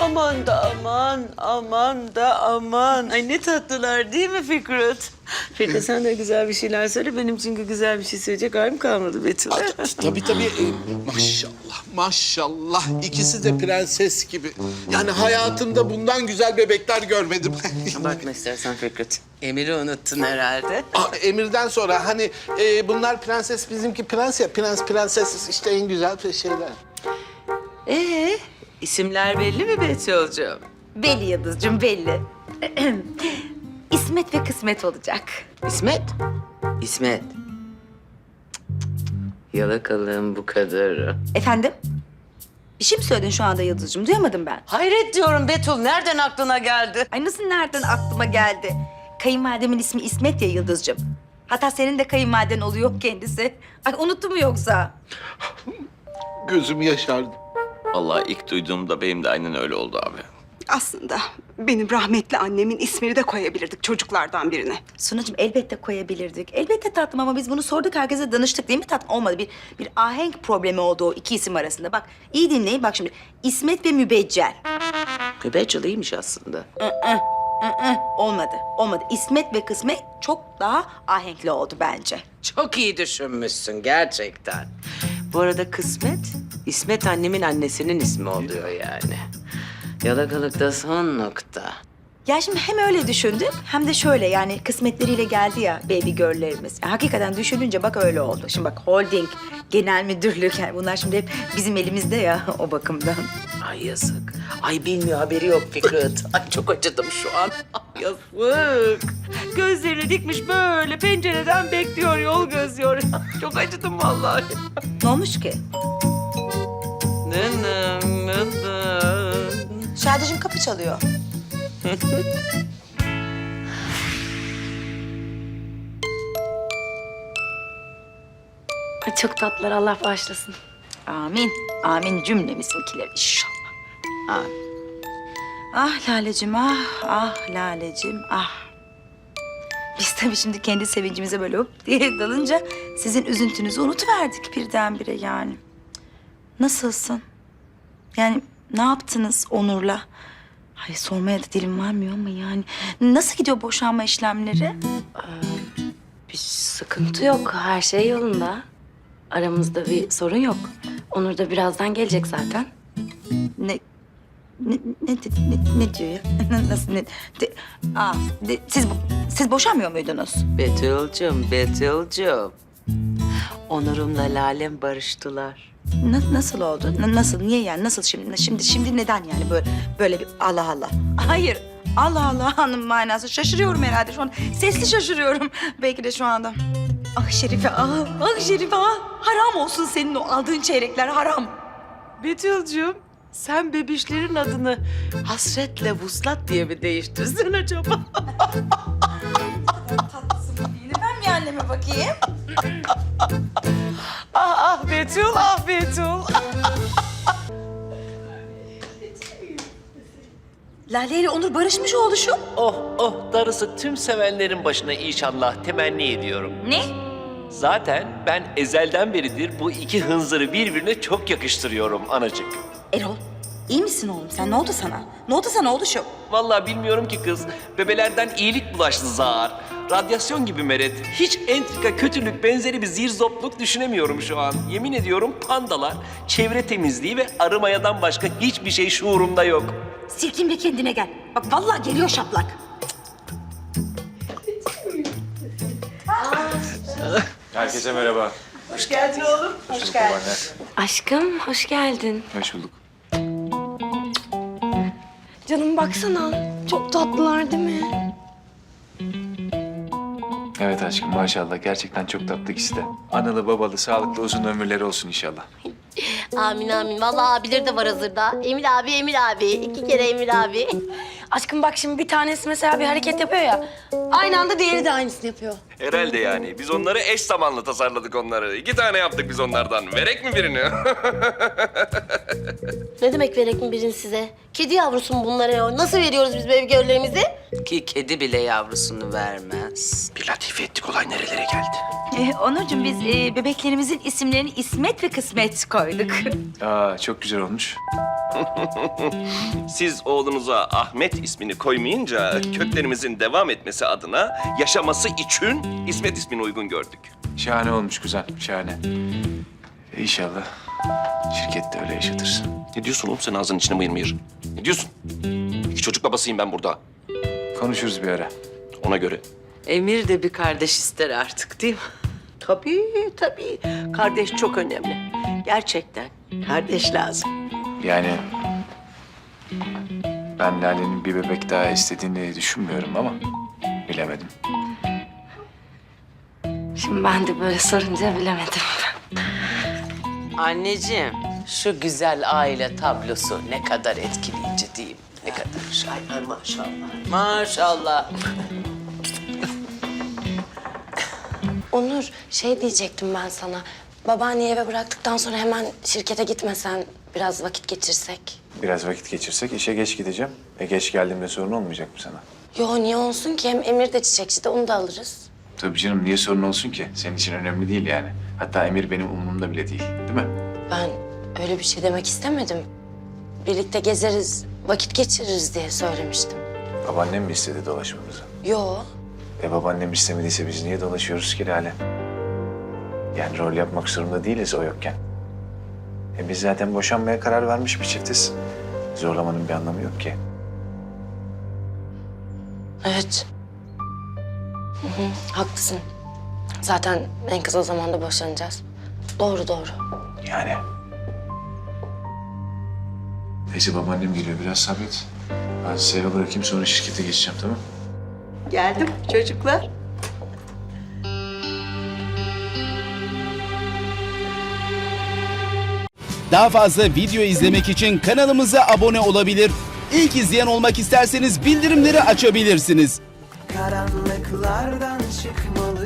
Aman da aman, aman da aman. Ay ne tatlılar değil mi Fikret? Fikret sen de güzel bir şeyler söyle. Benim çünkü güzel bir şey söyleyecek halim kalmadı Betül. Tabii tabii. Maşallah, maşallah. İkisi de prenses gibi. Yani hayatımda bundan güzel bebekler görmedim. Bakma istersen Fikret. Emir'i unuttun herhalde. Emir'den sonra hani bunlar prenses, bizimki prens ya. Prens, prenses işte en güzel şeyler. İsimler belli mi Betül'cüğüm? Belli Yıldız'cığım belli. İsmet ve kısmet olacak. İsmet? İsmet. Yalakalığın bu kadarı. Efendim? Bir şey mi söyledin şu anda Yıldız'cığım? Duyamadım ben. Hayret diyorum Betül. Nereden aklına geldi? Ay nasıl nereden aklıma geldi? Kayınvalidemin ismi İsmet ya Yıldız'cığım. Hatta senin de kayınvaliden oluyor kendisi. Ay unuttu mu yoksa? Gözüm yaşardı. Vallahi ilk duyduğumda benim de aynen öyle oldu abi. Aslında benim rahmetli annemin ismini de koyabilirdik çocuklardan birine. Sunacığım elbette koyabilirdik. Elbette tatlım ama biz bunu sorduk herkese danıştık değil mi tatlım? Olmadı. Bir ahenk problemi oldu o iki isim arasında. Bak iyi dinleyin bak şimdi. İsmet ve Mübeccel. Mübeccel iyiymiş aslında. Olmadı. Olmadı. İsmet ve kısmet çok daha ahenkli oldu bence. Çok iyi düşünmüşsün gerçekten. Bu arada Kısmet, İsmet annemin annesinin ismi oluyor yani. Yalakalıkta son nokta. Ya şimdi hem öyle düşündük hem de şöyle yani kısmetleriyle geldi ya baby girl'lerimiz. Hakikaten düşününce bak öyle oldu. Şimdi bak holding, genel müdürlük yani bunlar şimdi hep bizim elimizde ya o bakımdan. Ay yazık. Ay bilmiyor haberi yok Fikret. Ay çok acıdım şu an. Ay yazık. Gözlerini dikmiş böyle pencereden bekliyor yol gözüyor. Çok acıdım vallahi. Ne olmuş ki? Nınım nınım. Şadeciğim kapı çalıyor. Ay, çok tatlılar, Allah bağışlasın. Amin. Amin cümlemizimkiler inşallah. Amin. Ah Lalecim ah, ah Lalecim ah. Biz tabii şimdi kendi sevincimize böyle hop diye dalınca sizin üzüntünüzü unutuverdik birdenbire yani. Nasılsın? Yani ne yaptınız Onur'la? Ay sormaya da dilim varmıyor ama yani. Nasıl gidiyor boşanma işlemleri? Bir sıkıntı yok, her şey yolunda. Aramızda bir sorun yok. Onur da birazdan gelecek zaten. Ne diyor ya? Nasıl ne? Siz boşanmıyor muydunuz? Betül'cüm. Onur'umla Lalem barıştılar. Nasıl oldu? Nasıl? Niye yani? Nasıl şimdi? Şimdi neden yani böyle bir Allah Allah? Hayır. Allah Allah hanım manası. Şaşırıyorum herhalde şu an. Sesli şaşırıyorum belki de şu anda. Ah Şerife ah. Ah Şerife ah. Haram olsun senin o aldığın çeyrekler haram. Betül'cüm sen bebişlerin adını hasretle vuslat diye mi değiştirsin acaba? Ben bir anneme bakayım. Ah Betül, ah Betül. Lale ile Onur barışmış oluşum. Oh darısı tüm sevenlerin başına inşallah temenni ediyorum. Ne? Zaten ben ezelden beridir bu iki hınzırı birbirine çok yakıştırıyorum anacık. Erol iyi misin oğlum sen? Ne oldu sana? Ne oldu sana oluşum? Vallahi bilmiyorum ki kız. Bebelerden iyilik bulaştı zar. Radyasyon gibi meret. Hiç entrika, kötülük, benzeri bir zirzopluk düşünemiyorum şu an. Yemin ediyorum pandalar, çevre temizliği ve arı mayadan başka hiçbir şey şuurumda yok. Silkin bir kendine gel. Bak vallahi geliyor şaplak. Herkese merhaba. Hoş geldin oğlum. Hoş geldin. Aşkım, hoş geldin. Hoş bulduk. Canım baksana, çok tatlılar değil mi? Evet aşkım maşallah gerçekten çok tatlı ikisi de. Analı babalı sağlıklı uzun ömürleri olsun inşallah. Amin amin. Vallahi abileri de var hazırda. Emir abi, Emir abi. 2 kere Emir abi. Aşkım bak şimdi bir tanesi mesela bir hareket yapıyor ya. Aynı anda diğeri de aynısını yapıyor. Herhalde yani. Biz onları eş zamanlı tasarladık onları. 2 tane yaptık biz onlardan. Verek mi birini? Ne demek verek mi birini size? Kedi yavrusu mu bunlara ya? Nasıl veriyoruz biz bebeği görlerimizi? Ki kedi bile yavrusunu vermez. Bir latife ettik, olay nerelere geldi? Onurcuğum biz bebeklerimizin isimlerini İsmet ve Kısmet koyduk. Aa çok güzel olmuş. Siz oğlunuza Ahmet ismini koymayınca köklerimizin devam etmesi adına yaşaması için İsmet ismini uygun gördük. Şahane olmuş kuzen, şahane. İnşallah şirkette öyle yaşatırsın. Ne diyorsun oğlum sen ağzının içine mıyır mıyır? Ne diyorsun? İki çocuk babasıyım ben burada. Konuşuruz bir ara. Ona göre. Emir de bir kardeş ister artık değil mi? Tabii tabii. Kardeş çok önemli. Gerçekten kardeş lazım. Yani ben Lale'nin bir bebek daha istediğini düşünmüyorum ama bilemedim. Şimdi ben de böyle sorunca bilemedim. Anneciğim, şu güzel aile tablosu ne kadar etkileyici değil mi? Ne kadar. Ay maşallah. Maşallah. Onur, şey diyecektim ben sana. Babaanneyi eve bıraktıktan sonra hemen şirkete gitmesen, biraz vakit geçirsek. Biraz vakit geçirsek işe geç gideceğim. Geç geldiğimde sorun olmayacak mı sana? Yo, niye olsun ki? Hem Emir de çiçekçi de, onu da alırız. Tabii canım, niye sorun olsun ki? Senin için önemli değil yani. Hatta Emir benim umurumda bile değil, değil mi? Ben öyle bir şey demek istemedim. Birlikte gezeriz, vakit geçiririz diye söylemiştim. Babaannem mi istedi dolaşmamızı? Yo, Babaannem istemediyse biz niye dolaşıyoruz ki Lale? Yani rol yapmak zorunda değiliz o yokken. Biz zaten boşanmaya karar vermiş bir çiftiz. Zorlamanın bir anlamı yok ki. evet. Haklısın. Zaten en kısa zamanda boşanacağız. Doğru, doğru. Yani. Neyse babaannem geliyor, biraz sabret. Ben size eve bırakayım, sonra şirkete geçeceğim, tamam? Geldim çocuklar. Daha fazla video izlemek için kanalımıza abone olabilir. İlk izleyen olmak isterseniz bildirimleri açabilirsiniz. Karanlıklardan çıkmalı